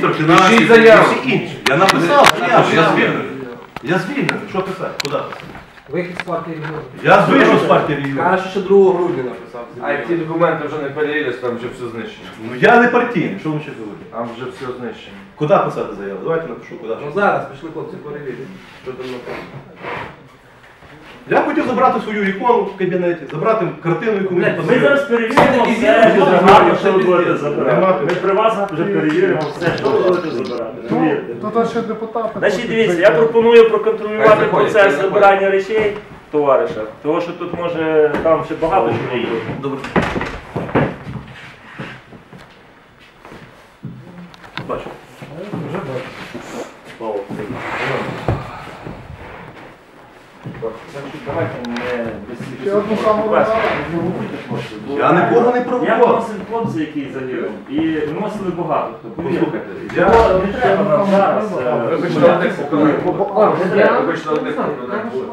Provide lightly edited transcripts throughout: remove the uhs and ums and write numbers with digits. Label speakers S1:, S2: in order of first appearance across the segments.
S1: міністр фінансів і всі інші. Я написав, я звільнений. Я звільнений. Що писати? Куди писати?
S2: Вихід з партії регіонів.
S1: Я вийшов з партії регіонів.
S2: Каже, що 2 грудня написав.
S3: А як ті документи вже не перевірились, там вже все знищено.
S1: Ну я не партійний, що ви ще говорите?
S3: Там вже все знищено.
S1: Куди писати заяву? Давайте напишу, куди.
S2: Ну зараз пішли хлопці перевірити. Що там написано.
S1: Я хотів забрати свою ікону в кабінеті, забрати картину, яку мені
S4: Ми
S1: посилали.
S4: зараз перевіримо все, що загально, що ви будете забирати. Ми при вас вже перевіримо все, що ви будете забирати. Повірте.
S5: Тут ще депутати.
S4: Значить, дивіться, я пропоную проконтролювати
S3: Заходять,
S4: процес
S3: заходять.
S4: забирання речей товариша, тому що тут може там ще багато чого є.
S1: Добре. Бачу.
S5: Вже бачу.
S4: Слава Значить, давайте не
S5: Ще одну саму
S4: без
S1: Я нікого не
S4: Я
S1: провокував.
S4: виносив хлопця, який загинув, і виносили багато хто. Повірте.
S1: Послухайте, я...
S4: Не треба нам зараз.
S3: Вибачте, одних поколінь. Вибачте, одних поколінь.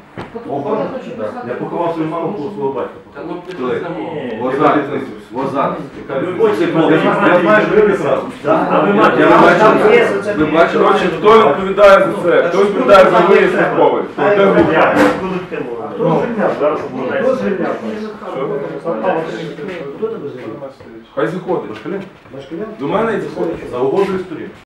S1: Я поховав свою маму, свого батька.
S4: Ні.
S3: Возати.
S1: Я знаю, що ви відразу.
S4: А ви маєте
S3: Ви бачите, хто відповідає за це? Хто відповідає за виїзд службовий?
S4: Зараз обладнається.
S3: Хай заходить. До мене і заходить.
S1: За угодою сторін.